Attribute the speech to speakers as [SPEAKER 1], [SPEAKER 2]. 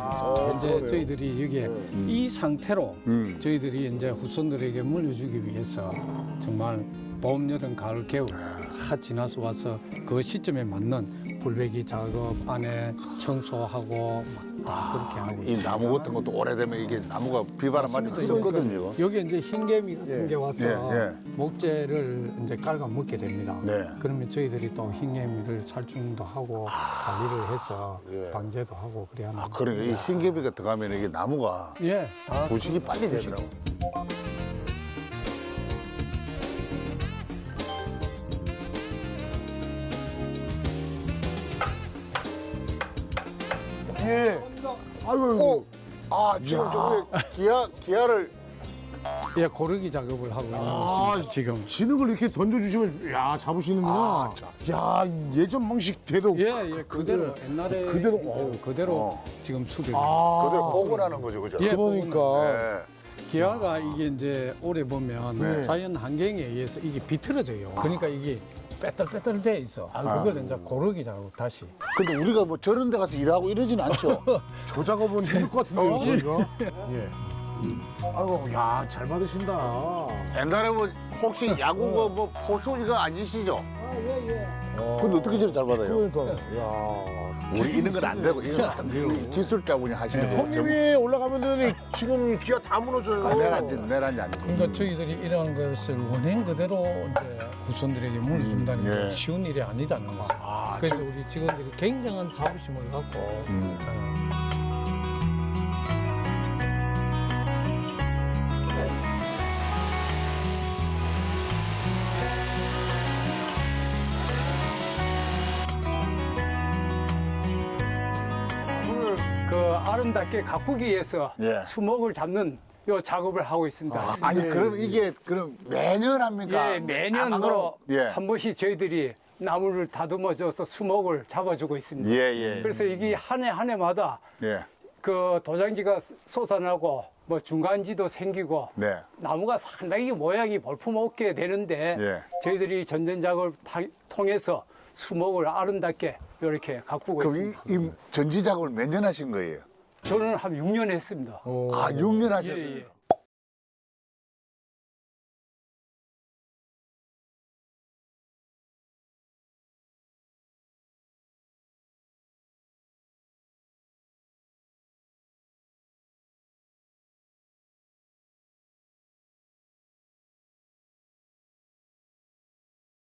[SPEAKER 1] 이제 저희들이 여기에 이 상태로 저희들이 이제 후손들에게 물려주기 위해서 정말 봄, 여름, 가을, 겨울 다 지나서 와서 그 시점에 맞는 불배기 작업 안에 청소하고 다 그렇게 하고
[SPEAKER 2] 이 나무 같은 것도 오래되면 이게 나무가 비바람 맞으면 썩거든요.
[SPEAKER 1] 여기 이제 흰개미 같은 게 와서
[SPEAKER 2] 예.
[SPEAKER 1] 목재를 이제 깔아 먹게 됩니다.
[SPEAKER 2] 네.
[SPEAKER 1] 그러면 저희들이 또 흰개미를 살충도 하고 관리를 해서
[SPEAKER 2] 예.
[SPEAKER 1] 방제도 하고 그래야 합니다.
[SPEAKER 2] 그러니까 이 흰개비가 들어가면 이게 나무가
[SPEAKER 1] 예, 다
[SPEAKER 2] 부식이 빨리 되더라고.
[SPEAKER 3] 예. 아이고.
[SPEAKER 2] 아 지금 저기 기아를
[SPEAKER 1] 예, 고르기 작업을 하고 있는
[SPEAKER 3] 아,
[SPEAKER 1] 것입니다. 지금.
[SPEAKER 3] 진흙을 이렇게 던져주시면 야 잡으시는구나. 야 예전 방식 대로.
[SPEAKER 1] 예, 그대로 옛날에
[SPEAKER 3] 그대로,
[SPEAKER 1] 그대로 지금 수립.
[SPEAKER 2] 그대로 복원하는 거죠, 그죠?
[SPEAKER 1] 예,
[SPEAKER 3] 그러니까.
[SPEAKER 2] 네.
[SPEAKER 1] 기아가 이게 이제 오래 보면 자연 환경에 의해서 이게 비틀어져요. 그러니까 이게 빼떨빼떨 돼 있어. 그걸 이제 고르기 작업 다시.
[SPEAKER 2] 근데 우리가 뭐 저런 데 가서 일하고 이러진 않죠.
[SPEAKER 3] 저 작업은 힘들 것 같은데요, 저희가. 예. 아이고, 야, 잘 받으신다.
[SPEAKER 2] 옛날에 뭐 혹시 야구 뭐 포수 이거 아니시죠? 근데 어떻게 저렇게 잘 받아요?
[SPEAKER 3] 그러니까, 야.
[SPEAKER 2] 우리 이런 건 안 되고 이건 안 돼요. 기술자분이 하시는 거.
[SPEAKER 3] 형님이 올라가면은 지금 기가 다 무너져요.
[SPEAKER 2] 내란지 안 돼.
[SPEAKER 1] 그러니까 저희들이 이런 것을 원행 그대로 이제 후손들에게 물려준다는 게 쉬운 일이 아니다는 거죠. 그래서 우리 직원들이 굉장한 자부심을 갖고 오늘 그 아름답게 가꾸기 위해서
[SPEAKER 2] 예.
[SPEAKER 1] 수목을 잡는 요 작업을 하고 있습니다.
[SPEAKER 2] 아니 그럼 이게 그럼 매년 합니까?
[SPEAKER 1] 예, 매년
[SPEAKER 2] 아,
[SPEAKER 1] 뭐
[SPEAKER 2] 예.
[SPEAKER 1] 한 번씩 저희들이 나무를 다듬어줘서 수목을 잡아주고 있습니다.
[SPEAKER 2] 예.
[SPEAKER 1] 그래서 이게 한 해 한 해마다
[SPEAKER 2] 예.
[SPEAKER 1] 그 도장지가 솟아나고 뭐 중간지도 생기고
[SPEAKER 2] 네.
[SPEAKER 1] 나무가 상당히 모양이 볼품없게 되는데
[SPEAKER 2] 예.
[SPEAKER 1] 저희들이 전전작업을 통해서 수목을 아름답게 이렇게 가꾸고
[SPEAKER 2] 그럼
[SPEAKER 1] 있습니다.
[SPEAKER 2] 이 전지 작업을 몇 년 하신 거예요?
[SPEAKER 1] 저는 한 6년 했습니다.
[SPEAKER 2] 아, 6년 하셨어요.
[SPEAKER 1] 예.